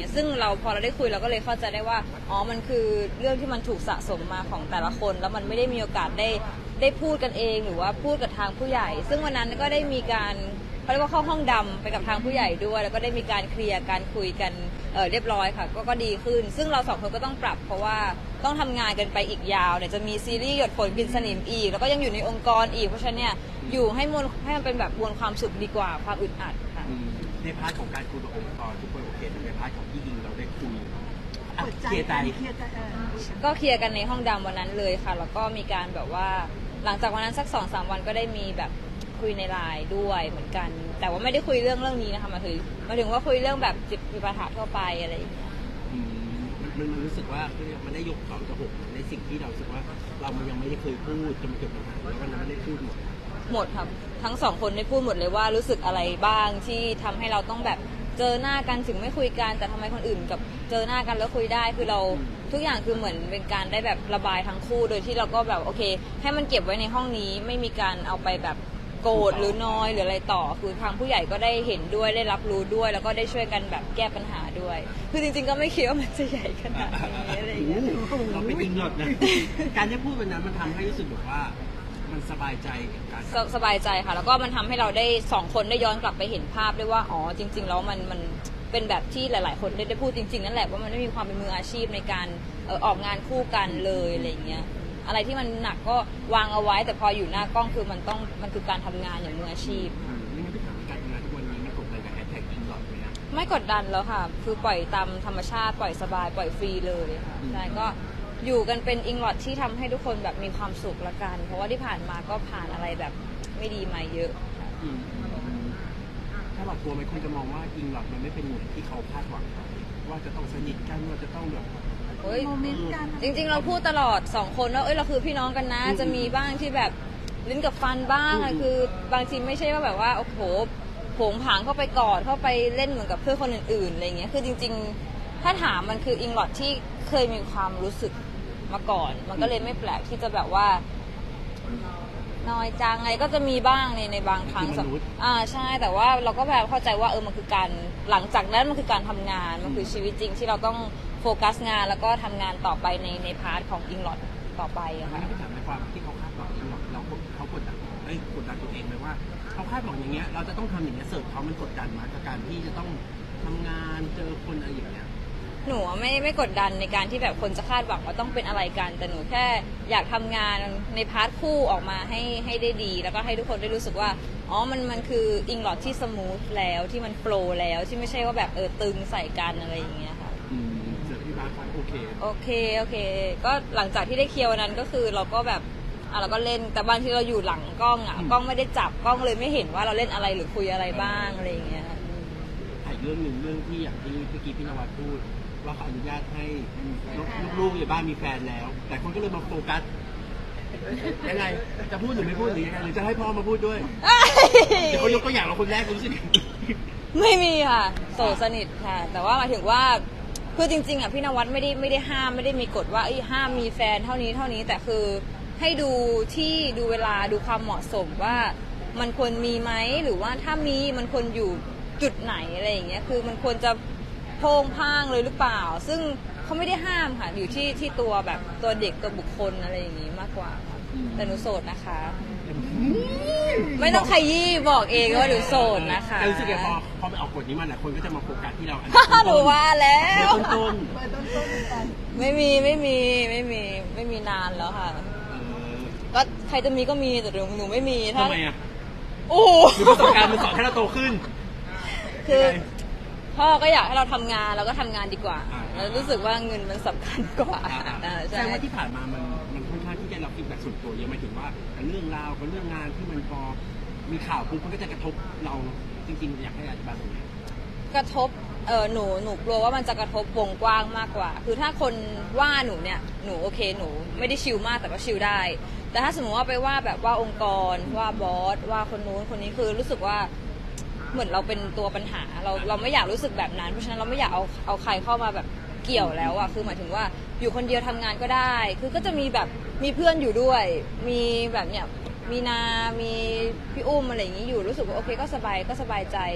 เงี้ยซึ่งพอเราได้คุยเราก็เลยเข้าใจได้ว่าอ๋อมันคือเรื่องที่มันถูกสะสมมาของแต่ละคนแล้วมันไม่ได้มีโอกาสได้พูดกันเองหรือว่าพูดกับทางผู้ใหญ่ซึ่งวันนั้นก็ได้มีการเขาเรียกว่าเข้าห้องดำไปกับทางผู้ใหญ่ด้วยแล้วก็ได้มีการเคลียร์การคุยกันเรียบร้อยค่ะก็ดีขึ้นซึ่งเราสองคนก็ต้องปรับเพราะว่าต้องทำงานกันไปอีกยาวเนี่ยจะมีซีรีส์หยดฝนกินสนิมอีกแล้วก็ยังอยู่ในองค์กรอีกเพราะฉะนั้นเนี่ยอยู่ให้มันเป็นแบบมวลความสุขดีกว่าความอึดอัดค่ะในพาร์ทของการคุยกับองค์กรทุกคนโอเคในพาร์ทของพี่ยิงเราได้คุยเคลียร์ใจก็เคลียร์กันในห้องดำวันนั้นเลยค่ะแล้วก็มีการแบบว่าหลังจากวันนั้นสัก 2-3 วันก็ได้มีแบบคุยในไลน์ด้วยเหมือนกันแต่ว่าไม่ได้คุยเรื่องนี้นะคะมาถึงว่าคุยเรื่องแบบจิตวิปัสสนาทั่วไปอะไรอย่างเงี้ยมันรู้สึกว่ามันได้ยก2-6ในสิ่งที่เราสึกว่าเรามันยังไม่ได้เคยพูดจนมันเกิดปัญหาแล้ววันนั้นไม่ได้พูดหมดครับทั้งสองคนได้พูดหมดเลยว่ารู้สึกอะไรบ้างที่ทำให้เราต้องแบบเจอหน้ากันถึงไม่คุยกันแต่ทำไมคนอื่นกับเจอหน้ากันแล้วคุยได้คือเราทุกอย่างคือเหมือนเป็นการได้แบบระบายทั้งคู่โดยที่เราก็แบบโอเคให้มันเก็บไว้ในห้องนี้ไม่มีการเอาไปแบบโกรธหรือน้อยหรืออะไรต่อคือทางผู้ใหญ่ก็ได้เห็นด้วยได้รับรู้ด้วยแล้วก็ได้ช่วยกันแบบแก้ปัญหาด้วยคือจริงๆก็ไม่คิดว่ามันจะใหญ่ขนาดนี้อะไรอย่างเงี้ยเราเป็นอิงหลอดนะการที่พูดวันนั้นมันทำให้รู้สึกแบบว่ามันสบายใจการสบายใจค่ะแล้วก็มันทำให้เราได้2 คนได้ย้อนกลับไปเห็นภาพด้วยว่าอ๋อจริงๆแล้วมันเป็นแบบที่หลายๆคนได้พูดจริงๆนั่นแหละว่ามันไม่มีความเป็นมืออาชีพในการออกงานคู่กันเลยอะไรอย่างเงี้ยอะไรที่มันหนักก็วางเอาไว้แต่พออยู่หน้ากล้องคือมันคือการทำงานอย่างมืออาชีพไม่งั้นพี่ถามการทำงานทุกวันนี้มันกดดันกับแฮชแท็กอิงหลอดไหมนะไม่กดดันแล้วค่ะคือปล่อยตามธรรมชาติปล่อยสบายปล่อยฟรีเลยค่ะใช่ก็อยู่กันเป็นอิงลอดที่ทำให้ทุกคนแบบมีความสุขละกันเพราะว่าที่ผ่านมาก็ผ่านอะไรแบบไม่ดีมาเยอะถ้าเรากลัวไหมคนจะมองว่าอิงหลอดมันไม่เป็นเหมือนที่เขาคาดหวังว่าจะต้องสนิทกันว่าจะต้องแบบโมเมนต์กันจริงๆเราพูดตลอด2 คนว่าเราคือพี่น้องกันนะจะมีบ้างที่แบบลิ้นกับฟันบ้างคือบางทีไม่ใช่ว่าแบบว่าโอ้โหโผงผางเข้าไปกอดเข้าไปเล่นเหมือนกับเพื่อนคนอื่นๆอะไรเงี้ยคือจริงๆถ้าถามมันคืออิงลอดที่เคยมีความรู้สึกมาก่อนมันก็เลยไม่แปลกที่จะแบบว่าน้อยจังไงก็จะมีบ้างในบางครั้งใช่แต่ว่าเราก็แบบเข้าใจว่ามันคือการหลังจากนั้นมันคือการทำงานมันคือชีวิตจริงที่เราต้องโฟกัสงานแล้วก็ทำงานต่อไปในพาร์ทของอิงลอดต่อไปอะค่ะไม่ถามในความที่เขาคาดหวังอิงลอดเขากดดันตัวเองไหมว่าเขาคาดหวังอย่างเงี้ยเราจะต้องทำอย่างเงี้ยเสิร์ฟเขามันกดดันมากับการที่จะต้องทำงานเจอคนอะไรอย่างเงี้ยหนูไม่กดดันในการที่แบบคนจะคาดหวังว่าต้องเป็นอะไรกันแต่หนูแค่อยากทำงานในพาร์ทคู่ออกมาให้ได้ดีแล้วก็ให้ทุกคนได้รู้สึกว่าอ๋อมันคืออิงลอดที่สมูทแล้วที่มันโฟลว์แล้วที่ไม่ใช่ว่าแบบตึงใส่กันอะไรอย่างเงี้ยค่ะเสร็จที่บ้านโอเคก็หลังจากที่ได้เคลียร์วันนั้นก็คือเราก็แบบเราก็เล่นแต่บางทีเราอยู่หลังกล้องกล้องไม่ได้จับกล้องเลยไม่เห็นว่าเราเล่นอะไรหรือคุยอะไรบ้างอะไรอย่างเงี้ยอีกเรื่องหนึ่งเรื่องที่อย่างที่เมื่อกี้พี่นวัดพูดว่าเขาอนุญาตให้ลูกๆในบ้านมีแฟนแล้วแต่คนก็เลยมาโฟกัสยังไงจะพูดหรือไม่พูดหรือยังไงหรือจะให้พ่อมาพูดด้วยเดี๋ยวเขายกตัวอย่างเราคนแรกรู้สึกไม่มีค่ะโสดสนิทค่ะแต่ว่าหมายถึงว่าคือจริงๆพี่นวัดไม่ได้ห้ามไม่ได้มีกฎว่าห้ามมีแฟนเท่านี้แต่คือให้ดูที่ดูเวลาดูความเหมาะสมว่ามันควรมีไหมหรือว่าถ้ามีมันควรอยู่จุดไหนอะไรอย่างเงี้ยคือมันควรจะโพงพ่างเลยหรือเปล่าซึ่งเขาไม่ได้ห้ามค่ะอยู่ที่ตัวแบบตัวเด็กตัวบุคคลอะไรอย่างงี้มากกว่าค่ะแต่หนูโสดนะคะไม่ต้องขยี้บอกเองว่าหนูโสดนะคะรู้สึกไงพอไปออกกฎนี้มาหลายคนก็จะมาโฟกัสที่เราหนูว่าแล้วต้นไม่มีนานแล้วค่ะก็ใครจะมีก็มีแต่หนูไม่มีทำไมอ่ะโอ้หรือประสบการณ์มันสอนให้เราโตขึ้นคือพ่อก็อยากให้เราทำงานเราก็ทำงานดีกว่าแล้วรู้สึกว่าเงินมันสำคัญกว่าใช่ว่าที่ผ่านมามันค่อนข้างที่จะรับฟีดแบ็กส่วนตัวเยอะหมายถึงว่าเรื่องราวกับเรื่องงานที่มันพอมีข่าวปุ๊บมันก็จะกระทบเราจริงๆอยากให้อธิบายตรงนี้กระทบหนูกลัวว่ามันจะกระทบวงกว้างมากกว่าคือถ้าคนว่าหนูเนี่ยหนูโอเคหนูไม่ได้ชิลมากแต่ก็ชิลได้แต่ถ้าสมมติว่าไปว่าแบบว่าองค์กรว่าบอสว่าคนนู้นคนนี้คือรู้สึกว่าเหมือนเราเป็นตัวปัญหาเราไม่อยากรู้สึกแบบนั้นเพราะฉะนั้นเราไม่อยากเอาใครเข้ามาแบบเกี่ยวแล้วอะคือหมายถึงว่าอยู่คนเดียวทำงานก็ได้คือก็จะมีแบบมีเพื่อนอยู่ด้วยมีแบบเนี้ยมีนามีพี่อุ้มอะไรอย่างนี้อยู่รู้สึกว่าโอเคก็สบายใจ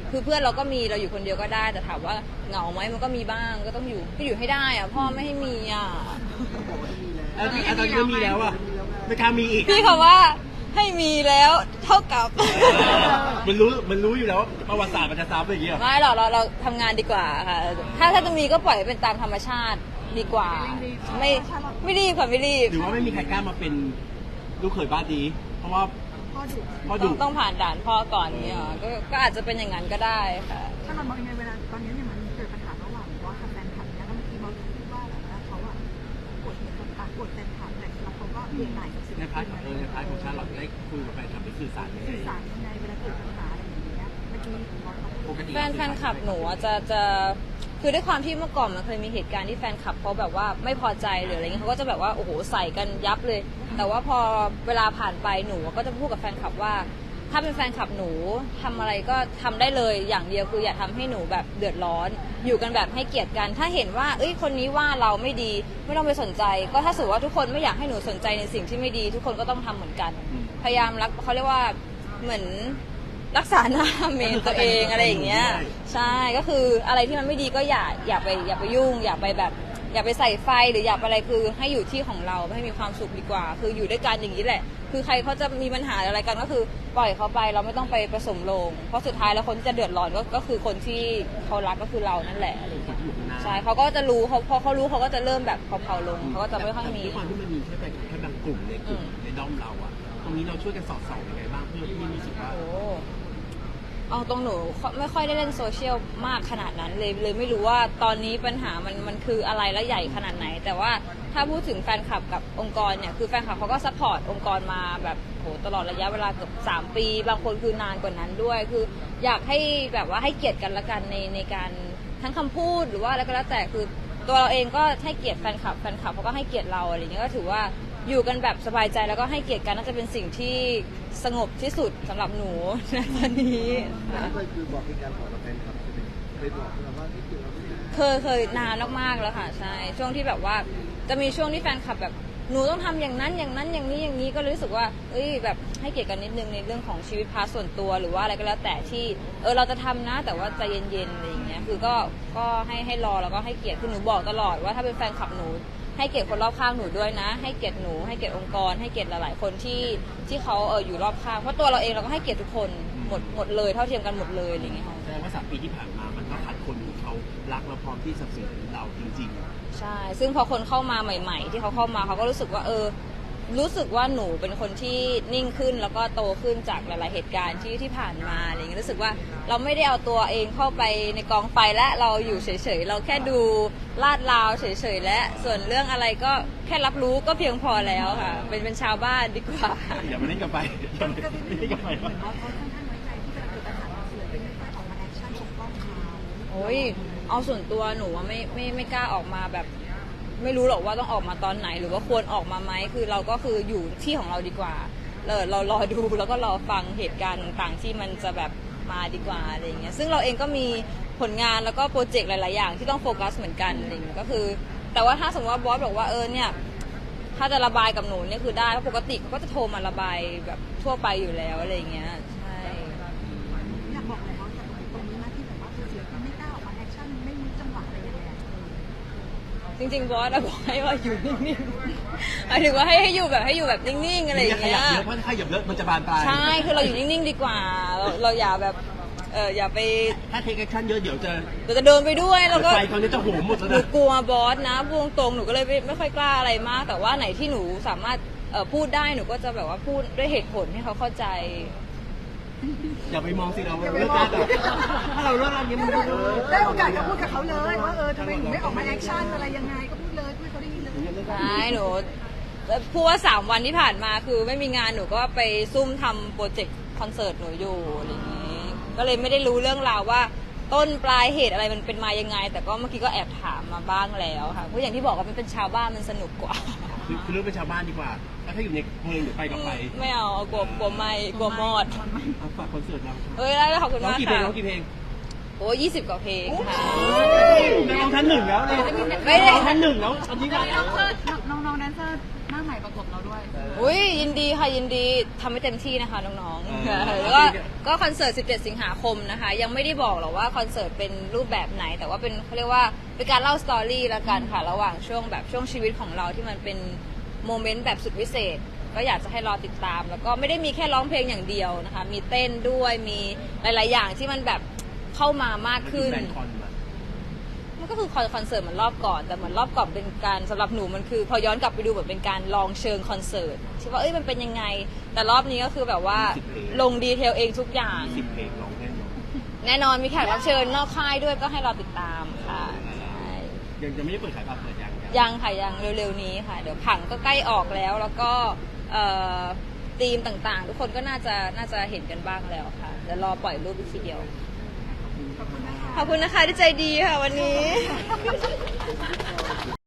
คือเพื่อนเราก็มีเราอยู่คนเดียวก็ได้แต่ถามว่าเหงาไหมมันก็มีบ้างก็ต้องอยู่ก็อยู่ให้ได้อ่ะพ่อไม่ให้มีอ่ะแล้วตอนนี้ก็มีแล้วอ่ะไม่กล้ามีอีกพี่เขาว่าให้มีแล้วเท่ากับมันรู้อยู่แล้วประวัติศาสตร์มันจะซ้ำอย่างเงี้ยไม่หรอกเราทำงานดีกว่าค่ะถ้าจะมีก็ปล่อยให้เป็นตามธรรมชาติดีกว่า ไม่รีบค่ะไม่รีบหรือว่าไม่มีใครกล้ามาเป็นลูกเขยบ้านดี เพราะว่าพ่อดุต้องผ่านด่านพ่อก่อนเนี่ยเหรอก็อาจจะเป็นอย่างนั้นก็ได้ค่ะถ้าเรามองยังไงเวลาตอนนี้เนี่ยมันเกิดปัญหาระหว่างบอสกับแฟนคลับเนี่ยแล้วบางทีบอสคิดว่าแบบว่าเขาอะกดเหตุต่างๆกดแฟนคลับแต่แล้วเขาก็เรียนไหนกับสิ่งในที่พาร์ทในพาร์ทของชาลอตได้คุยกับแฟนคลับได้สื่อสารยังไงสื่อสารยังไงเวลาเกิดปัญหาอะไรอย่างเงี้ยเมื่อกี้บอสเขาพูดปกติแฟนคลับหนูอะจะคือด้วยความที่เมื่อก่อนมันเคยมีเหตุการณ์ที่แฟนคลับเขาแบบว่าไม่พอใจหรืออะไรเงี้ยเขาก็จะแบบว่าโอ้โหใส่กันยับเลย แต่ว่าพอเวลาผ่านไปหนูก็จะพูดกับแฟนคลับว่า ถ้าเป็นแฟนคลับหนูทำอะไรก็ทำได้เลยอย่างเดียวคืออย่าทำให้หนูแบบเดือดร้อน อยู่กันแบบให้เกียรติกัน ถ้าเห็นว่าเอ้ยคนนี้ว่าเราไม่ดีไม่ต้องไปสนใจ ก็ถ้าสมมติว่าทุกคนไม่อยากให้หนูสนใจในสิ่งที่ไม่ดี ทุกคนก็ต้องทำเหมือนกัน พยายามรักเขาเรียกว่าเหมือนรักษาหน้าเมนตัวเองอะไรอย่างเงี้ยใช่ก็คืออะไรที่มันไม่ดีก็อย่าไปยุ่ง อย่าไปแบบอย่าไปใส่ไฟหรืออย่าไปอะไรคือให้อยู่ที่ของเราให้มีความสุขดีกว่า คืออยู่ด้วยกันอย่างนี้แหละ คือใครเขาจะมีปัญหาอะไรกันก็คือปล่อยเขาไปเราไม่ต้องไปผสมโลงเพราะสุดท้ายแล้วคนที่จะเดือดร้อนก็คือคนที่เขารักก็คือเรานั่นแหละอะไรอย่างเงี้ยใช่เขาก็จะรู้พอเขารู้เขาก็จะเริ่มแบบเผาๆลงเขาก็จะไม่ค่อยมีด้วยความที่มันมีแค่บางกลุ่มในกลุ่มในด้อมเราอะตรงนี้เราช่วยกันสอดส่องยังไงบ้างเพื่อที่รู้สึกว่าโอ้เอาตรงหนูไม่ค่อยได้เล่นโซเชียลมากขนาดนั้นเลยไม่รู้ว่าตอนนี้ปัญหามันคืออะไรและใหญ่ขนาดไหน แต่ว่าถ้าพูดถึงแฟนคลับกับองค์กรเนี่ยคือแฟนคลับเขาก็ซัพพอร์ตองค์กรมาแบบโหตลอดระยะเวลาเกือบ3 ปีบางคนคือนานกว่านั้นด้วย คืออยากให้แบบว่าให้เกียรติกันละกันในการทั้งคำพูดหรือว่าอะไรก็แล้วแต่คือตัวเราเองก็ให้เกียรติแฟนคลับเขาก็ให้เกียรติเราอะไรอย่างเงี้ยก็ถือว่าอยู่กันแบบสบายใจแล้วก็ให้เกียรติกันน่าจะเป็นสิ่งที่สงบที่สุดสำหรับหนูในตอนนี้เคยคือบอกเป็นการบอกกับแฟนคลับใช่ไหมเคยบอกเราว่านี่คือเราไม่ได้เคยนานมากๆแล้วค่ะใช่ช่วงที่แบบว่าจะมีช่วงที่แฟนคลับแบบหนูต้องทำอย่างนั้นอย่างนั้นอย่างนี้อย่างนี้ก็เลยรู้สึกว่าเอ้ยแบบให้เกียรติกันนิดนึงในเรื่องของชีวิตพาร์ทส่วนตัวหรือว่าอะไรก็แล้วแต่ที่เราจะทำนะแต่ว่าใจเย็นๆอะไรอย่างเงี้ยคือก็ให้รอแล้วก็ให้เกียรติคือหนูบอกตลอดว่าถ้าเป็นแฟนคลับหนูให้เกียรติคนรอบข้างหนูด้วยนะให้เกียรติหนูให้เกียรติองค์กรให้เกียรติหลายๆคนที่เขาอยู่รอบข้างเพราะตัวเราเองเราก็ให้เกียรติทุกคนหมดเลยเท่าเทียมกันหมดเลยอะไรอย่างเงี้ยค่ะแสดงว่า3 ปีที่ผ่านมามันก็ขาดคนที่เขารักเราพร้อมที่สนับสนุนเราจริงใช่ ซึ่งพอคนเข้ามาใหม่ ๆ ที่เขาเข้ามาเขาก็รู้สึกว่ารู้สึกว่าหนูเป็นคนที่นิ่งขึ้นแล้วก็โตขึ้นจากหลายๆเหตุการณ์ที่ผ่านมาอะไรอย่างเงี้ยรู้สึกว่าเราไม่ได้เอาตัวเองเข้าไปในกองไฟและเราอยู่เฉยๆเราแค่ดูลาดราวเฉยๆและส่วนเรื่องอะไรก็แค่รับรู้ก็เพียงพอแล้วค่ะเป็นชาวบ้านดีกว่าๆอย่ามาเล่นกับไปอย่ามาเล่นกับไปเหมือนว่าเขาค่อนข้างไว้ใจที่เวลาเกิดปัญหาเราเสือเป็นไม่ค่อยออกมาแอคชั่นปกป้องเขาโอ้ยเอาส่วนตัวหนูว่าไม่กล้าออกมาแบบ ไม่รู้หรอกว่าต้องออกมาตอนไหนหรือว่าควรออกมาไหมคือเราก็คืออยู่ที่ของเราดีกว่าเรารอดูแล้วก็รอฟังเหตุการณ์ต่างๆที่มันจะแบบมาดีกว่าอะไรอย่างเงี้ยซึ่งเราเองก็มีผลงานแล้วก็โปรเจกต์หลายๆอย่างที่ต้องโฟกัสเหมือนกันอะไรอย่างเงี้ยก็คือ แต่ว่าถ้าสมมติว่าบอสบอกว่าเนี่ยถ้าจะระบายกับหนูเนี่ยคือได้เพราะปกติเขาก็จะโทรมาระบายแบบทั่วไปอยู่แล้วอะไรอย่างเงี้ยใช่อยากบอกเลยว่าจากตรงนี้นะที่แบบว่าเสือมันไม่กล้าออกมาแอคชั่นไม่รู้จังหวะอะไรยังไงจริงๆบอสบอกให้ว่าอยู่นิ่งๆหมายถึงว่าให้อยู่แบบนิ่งๆอะไรอย่างขเงี้ยัยบเยอะเพราะถ้าขยับเยอะมันจะบานปลายใช่คือเราอยู่นิ่งๆดีกว่าเราอย่าแบบอย่าไปถ้าเทคแอคชั่นเยอะเดี๋ยวจะเราจะเดินไปด้วยแล้วก็ไฟตอนนี้จะโหมหมดแล้วหนูนะกลัวบอสนะพูดตรงๆหนูก็เลยไม่ค่อยกล้าอะไรมาก แต่ว่าไหนที่หนูสามารถพูดได้หนูก็จะแบบว่าพูดด้วยเหตุผลให้เขาเข้าใจอย่าไปมองสิเราเลิกได้แต่ถ้าเราเลิกอะไรเงี้ยมันได้โอกาสก็พูดกับเขาเลยว่าทำไมหนูไม่ออกมาแอคชั่นอะไรยังไงก็พูดเลยพูดให้เขาได้ยินเลยใช่หนูพูดว่า3 วันที่ผ่านมาคือไม่มีงานหนูก็ไปซุ่มทำโปรเจกต์คอนเสิร์ตหนูอยู่อะไรอย่างนี้ ก็เลยไม่ได้รู้เรื่องราวว่าต้นปลายเหตุอะไรมันเป็นมายังไง แต่ก็เมื่อกี้ก็แอบถามมาบ้างแล้วค่ะเพราะอย่างที่บอกว่ามันเป็นชาวบ้านมันสนุกกว่าคือเรื่องเป็นชาวบ้านดีกว่าแล้วถ้าอยู่ในเพลงเดี๋ยวไปกับไปไม่เอากลัวไม่กลัวมอดเอาฝากคอนเสิร์ตเราเอ้ยได้ขอบคุณร้องมากกี่เพลงค่ะร้องกี่เพลงโอ้20 กว่าเพลงค่ะนักร้องท่านหนึ่งแล้วเลยไม่ได้นักร้องท่านหนึ่งแล้วตอนนี้ว่าน้องแดนเซอร์หน้าใหม่ประกบเราด้วยอุ้ยยินดีค่ะยินดีทำให้เต็มที่นะคะน้องๆแล้วก็คอนเสิร์ต 17 สิงหาคมนะคะ ยังไม่ได้บอกหรอกว่าคอนเสิร์ตเป็นรูปแบบไหน แต่ว่าเป็นเขาเรียกว่าเป็นการเล่าสตอรี่ละกันค่ะ ระหว่างช่วงชีวิตของเราที่มันเป็นโมเมนต์แบบสุดวิเศษ ก็อยากจะให้รอติดตาม แล้วก็ไม่ได้มีแค่ร้องเพลงอย่างเดียวนะคะ มีเต้นด้วยมีหลายๆอย่างที่มันแบบเข้ามามากขึ้นแฟนคอนมามันก็คือคอนเสิร์ตเหมือนรอบก่อนแต่เหมือนรอบก่อนเป็นการสำหรับหนูมันคือพอย้อนกลับไปดูเหมือนเป็นการลองเชิงคอนเสิร์ตที่ว่ามันเป็นยังไง แต่รอบนี้ก็คือแบบว่าลงดีเทลเองทุกอย่าง 10 เพลงร้องแน่นอนแน่นอนมีแขกรับเชิญนอกค่ายด้วยก็ให้เราติดตามค่ะใช่ยังไม่ได้เปิดขายบัตรเปิดยังยังค่ะยังเร็วๆนี้ค่ะ เดี๋ยวผังก็ใกล้ออกแล้วแล้วก็ธีมต่างๆ ทุกคนก็น่าจะเห็นกันบ้างแล้วค่ะเดี๋ยวรอปล่อยรูปอีกทีเดียวขอบคุณนะคะที่ใจดีค่ะวันนี้